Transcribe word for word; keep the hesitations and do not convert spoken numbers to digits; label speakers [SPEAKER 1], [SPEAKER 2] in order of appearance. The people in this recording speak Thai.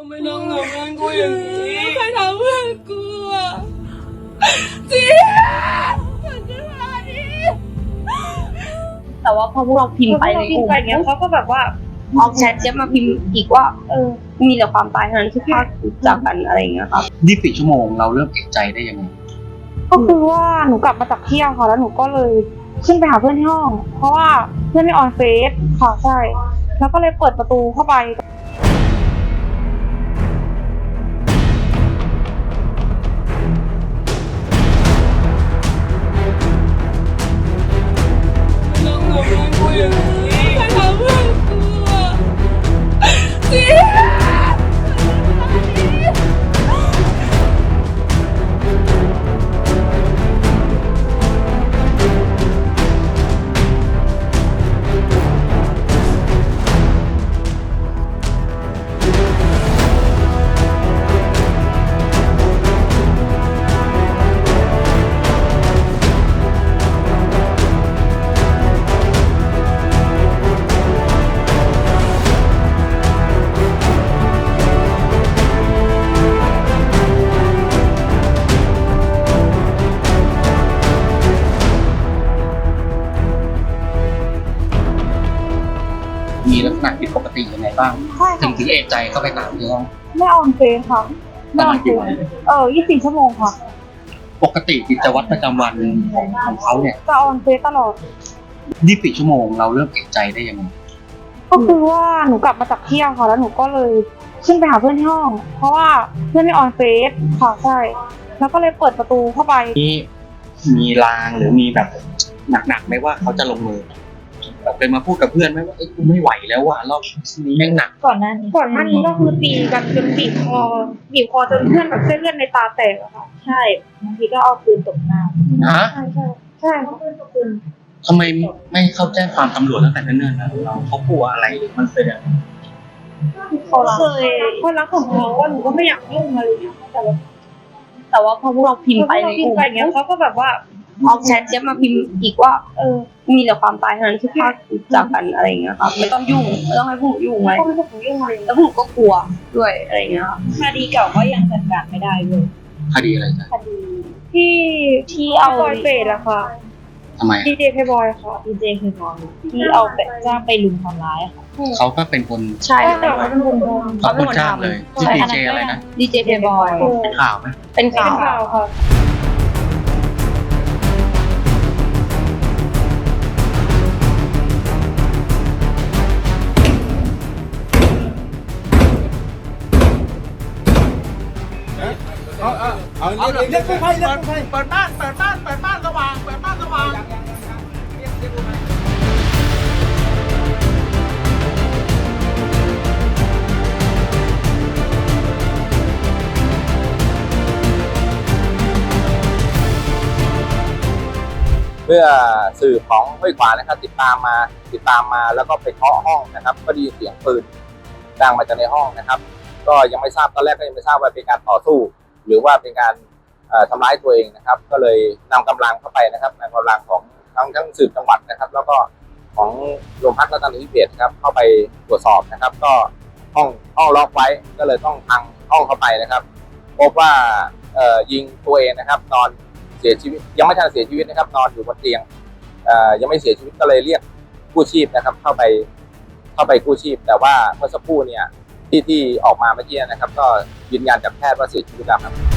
[SPEAKER 1] ไม่ต้องทำเพื่อนกูอย่างนี้ใครทำเพื่อนกูอ่ะจีฉันจะมาดิแต่ว่าพอพวกเราพิมพ์ไปในกลุ่มเงี้ยเขาก็แบบว่าออกแชทเจี๊ยบมาพิมพ์อีกว่าเออมีแต่ความตายเท่านั้นที่พาจากกันอะไรอย่างเงี้ยครับ
[SPEAKER 2] ยี่สิบสี่ชั่วโมงเราเริ่มเอกใจได้ยังไง
[SPEAKER 3] ก็คือว่าหนูกลับมาจากเที่ยวค่ะแล้วหนูก็เลยขึ้นไปหาเพื่อนที่ห้องเพราะว่าเพื่อนไม่ออนเฟซค่ะใช่แล้วก็เลยเปิดประตูเข้าไป
[SPEAKER 2] มีลักษณะผิดปกติยังไงบ้างถึงถึงเอกใจเข้าไปถามที่ห้อง
[SPEAKER 3] ไม่ออนเฟซค่ะไม่ออนเฟซเออยี่สิบสี่ชั่วโมงค่ะ
[SPEAKER 2] ปกติกิจวัตรประจำวันของของเขาเนี่ย
[SPEAKER 3] จะออนเฟซตลอด
[SPEAKER 2] ยี่สิบสี่ชั่วโมงเราเริ่มเอกใจได้ยังไง
[SPEAKER 3] ก็คือว่าหนูกลับมาจากเที่ยวค่ะแล้วหนูก็เลยขึ้นไปหาเพื่อนที่ห้องเพราะว่าเพื่อนไม่ออนเฟซค่ะใช่แล้วก็เลยเปิดประตูเข้าไป
[SPEAKER 2] มีมีลางหรือมีแบบหนักๆไหมว่าเขาจะลงมือแบบเคยมาพูดกับเพื่อนไหมว่าไอ้กูไม่ไหวแล้วว่ะรอบนี้แม่งหนัก
[SPEAKER 3] ก่อนหน้านี้ก่อนหน้านี้ก็คือตีกันจนบีบคอบีบคอจนเพื่อนแบบเส้นเลือดในตาแตกอะค่ะใช่บางทีก็เอาปืนตบหน้า
[SPEAKER 2] ฮะ
[SPEAKER 3] ใช่ใช่ใช่เขาปืนตบปืน
[SPEAKER 2] ทำไมไม่เข้าแจ้งความตำรวจตั้งแต่เนิ่นๆนะเราเขากลัวอะไรมันเป็นอะไร
[SPEAKER 3] เขาเคยคนรักของเขาว่าหนูก็ไม่อยากยุ่งอะไรอย่างเงี้ยแต่ว่า
[SPEAKER 1] แต่ว่าพอพวกเราพิมพ์ไปในกลุ่ม
[SPEAKER 3] เงี้ยเขาก็แบบว่า
[SPEAKER 1] ออกแชทเจี๊ยบมาพิมพ์อีกว่าเออมีแต่ความตายเท่านั้นที่พาจากกันอะไรอย่างเงี้ยครับไม่ต้องยุ่งไม่ต้องให้พวกหนูยุ่งอะไร
[SPEAKER 3] ไม่ต้องให้พวกหนูยุ่งอะไร
[SPEAKER 1] แล้วพวกหนูก็กลัวด้วยอะไรอย่างเงี้ยครับ
[SPEAKER 3] คดีเก่าก็ยังจัดการไม่ได้เลย
[SPEAKER 2] คดีอะไรจ๊ะ
[SPEAKER 3] คดีที่ที่เอาบอยเฟสอะค่ะ
[SPEAKER 2] ทำไม
[SPEAKER 3] ดีเจเพย์บอยค่ะดีเจเพย์บอยที่เอาไปจ้างไปลุมทำร้ายค่ะ
[SPEAKER 2] เขาก็เป็นคน
[SPEAKER 1] ใช่
[SPEAKER 3] เขาเป็นคน
[SPEAKER 2] เขาเป็นคนจ้างเลยที่ดีเจอะไรนะ
[SPEAKER 1] ดีเจเพย์บอย
[SPEAKER 2] เป็นข่าวไหม
[SPEAKER 1] เป็นข่าว
[SPEAKER 3] ค่ะ
[SPEAKER 4] เอาเอาเอาเรียกเรียกกู้ภัยเรียกกู้ภัยเปิดบ้านเปิดบ้านเปิดบ้านสว่างเปิดบ้านสว่างเรียกเรียกกู้ภัย
[SPEAKER 5] เมื่อสื่อของห้วยขวางนะครับติดตามมาติดตามมาแล้วก็ไปเคาะห้องนะครับก็ได้ยินเสียงปืนดังมาจากในห้องนะครับก็ยังไม่ทราบตอนแรกก็ยังไม่ทราบว่าเป็นการต่อสู้หรือว่าเป็นการทำร้ายตัวเองนะครับก็เลยนำกำลังเข้าไปนะครับนำกำลังของทั้งทั้งสืบจังหวัดนะครับแล้วก็ของโรงพักรัตนวิเศษครับเข้าไปตรวจสอบนะครับก็ห้องห้องล็อกไว้ก็เลยต้องพังห้องเข้าไปนะครับพบว่ายิงตัวเองนะครับนอนเสียชีวิตยังไม่ทันเสียชีวิตนะครับนอนอยู่บนเตียงยังไม่เสียชีวิตก็เลยเรียกกู้ชีพนะครับเข้าไปเข้าไปกู้ชีพแต่ว่าเมื่อสักครู่เนี่ยที่ที่ออกมาเมื่อกี้นะครับก็ยืนยันจากแพทย์ว่าเสียชีวิตแล้วครับ